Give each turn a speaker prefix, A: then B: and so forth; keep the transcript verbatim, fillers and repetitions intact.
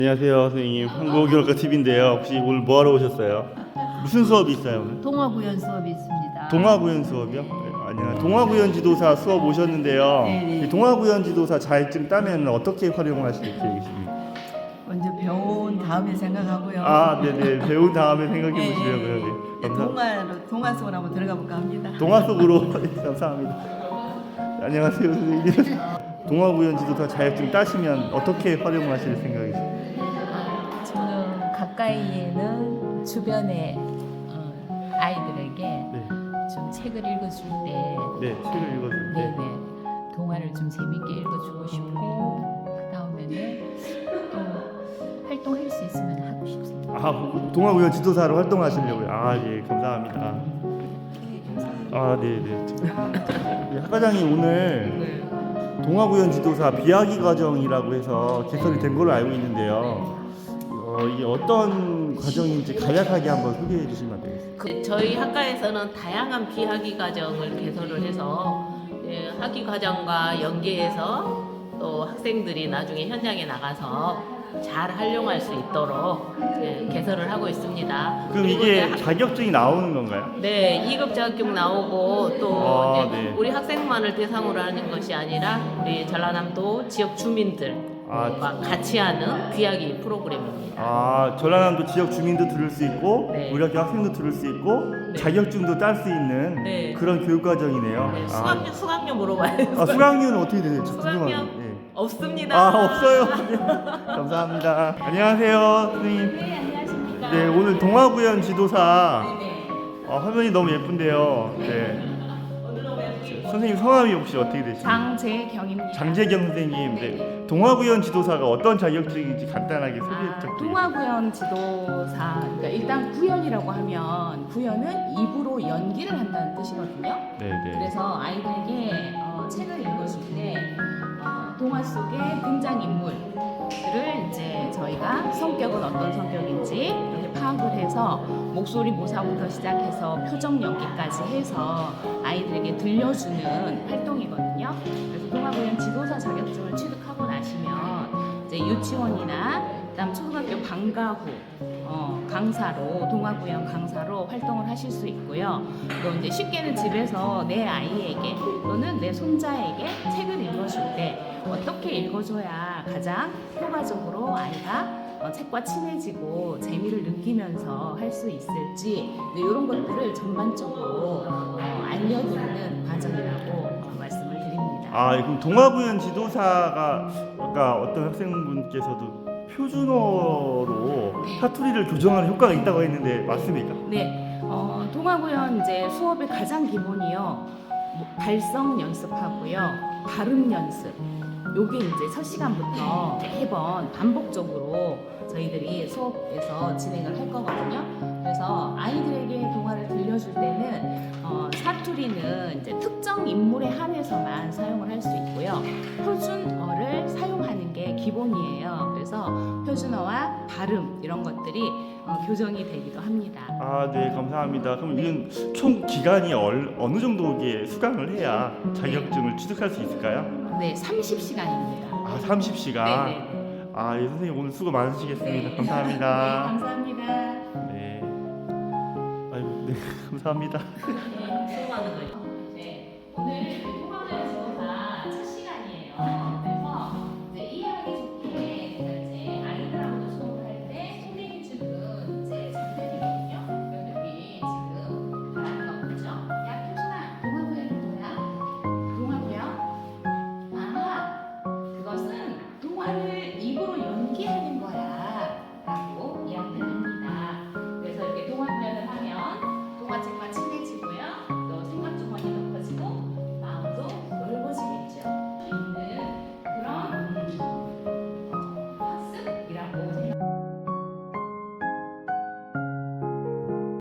A: 안녕하세요 선생님, 한국교육과티비인데요 혹시 오늘 뭐 하러 오셨어요? 무슨 수업이 있어요 오늘?
B: 동화구연 수업이 있습니다.
A: 동화구연 수업이요? 네, 아니요, 동화구연 지도사 수업 오셨는데요.
B: 네네.
A: 이 동화구연 지도사 자격증 따면 어떻게 활용하실 계획이십니까?
B: 먼저 배운 다음에 생각하고요.
A: 아 네네, 배운 다음에 생각해
B: 네,
A: 보시려고요.
B: 네.
A: 네, 감사...
B: 동화로 동화 속으로 한번 들어가 볼까 합니다.
A: 동화 속으로. 네, 감사합니다. 안녕하세요 선생님. 동화구연 지도사 자격증 따시면 어떻게 활용하실 생각이세요?
C: 저는 가까이에는 주변의 어, 아이들에게
A: 네,
C: 좀 책을 읽어줄 때,
A: 네, 책을 읽어줄 때.
C: 네네, 동화를 좀 재밌게 읽어주고 싶고, 그 다음에는 또 활동할 수 있으면 하고 싶습니다.
A: 아, 동화구연 지도사로 활동하시려고요? 아, 예, 감사합니다. 아, 네, 네. 학과장님 오늘 동화구연 지도사 비학기 과정이라고 해서 개설이 된 걸로 알고 있는데요. 어, 이게 어떤 과정인지 간략하게 한번 소개해 주시면 되겠습니다.
D: 그 저희 학과에서는 다양한 비학기 과정을 개설을 해서 예, 학기 과정과 연계해서 또 학생들이 나중에 현장에 나가서 잘 활용할 수 있도록 예, 개설을 하고 있습니다.
A: 그럼
D: 그리고
A: 이게
D: 이제 학-
A: 자격증이 나오는 건가요?
D: 네, 이 급 자격증 나오고 또
A: 아,
D: 이제
A: 네.
D: 우리 학생만을 대상으로 하는 것이 아니라 우리 전라남도 지역 주민들과
A: 아,
D: 같이 하는 비학기 프로그램입니다.
A: 아, 전라남도 지역 주민도 들을 수 있고
D: 네.
A: 우리 학교 학생도 들을 수 있고
D: 네.
A: 자격증도 딸 수 있는
D: 네.
A: 그런 교육 과정이네요.
D: 네,
A: 아,
D: 수강료 수강료 물어봐요.
A: 아, 수강료는 어떻게 되죠?
D: 수강료?
A: 궁금하네요. 예.
D: 없습니다.
A: 아, 없어요. 감사합니다. 안녕하세요 선생님.
D: 네, 안녕하십니까.
A: 네, 오늘 동화구연 지도사
D: 네.
A: 어, 화면이 너무 예쁜데요. 네. 선생님 성함이 혹시 어떻게 되시나요?
E: 장재경입니다.
A: 장재경 선생님. 네. 동화구연 지도사가 어떤 자격증인지 간단하게 소개
E: 아,
A: 부탁드립니다.
E: 동화구연 지도사. 그러니까 일단 구연이라고 하면 구연은 입으로 연기를 한다는 뜻이거든요.
A: 네, 네.
E: 그래서 아이들에게 어, 책을 읽어줄 때 어, 동화 속의 등장 인물들을 이제 저희가 성격은 어떤 성격인지 이렇게 파악을 해서 목소리 모사부터 시작해서 표정 연기까지 해서 아이들에게 들려주는 활동이거든요. 그래서 동화구연 지도사 자격증을 취득하고 나시면 이제 유치원이나 그다음 초등학교 방과 후 어, 강사로 동화구연 강사로 활동을 하실 수 있고요. 또 이제 쉽게는 집에서 내 아이에게 또는 내 손자에게 책을 읽어줄 때 어떻게 읽어줘야 가장 효과적으로 아이가 어, 책과 친해지고 재미를 느끼면서 할 수 있을지 네, 이런 것들을 전반적으로 어, 알려드리는 과정이라고 어, 말씀을 드립니다.
A: 아, 그럼 동화구연 지도사가 아까 어떤 학생분께서도 표준어로 사투리를 교정하는 효과가 있다고 했는데 맞습니까?
E: 네, 어, 동화구연 이제 수업의 가장 기본이요. 뭐, 발성 연습하고요, 발음 연습. 요게 이제 첫 시간부터 매번 반복적으로 저희들이 수업에서 진행을 할 거거든요. 그래서 아이들에게 동화를 들려줄 때는 어, 사투리는 이제 특정 인물에 한해서만 사용을 할 수 있고요. 표준어를 사용하는 게 기본이에요. 그래서 표준어와 발음 이런 것들이 어, 교정이 되기도 합니다.
A: 아, 네, 감사합니다. 그럼 이건 총 기간이 얼, 어느 정도의 수강을 해야 자격증을 취득할 수 있을까요?
E: 네, 삼십 시간입니다.
A: 아, 삼십 시간.
E: 네네.
A: 아, 예, 선생님 오늘 수고 많으시겠습니다.
E: 네.
A: 감사합니다.
E: 감사합니다.
A: 네. 아이고, 네, 감사합니다.
D: 수고하는 거죠.
E: 네, 오늘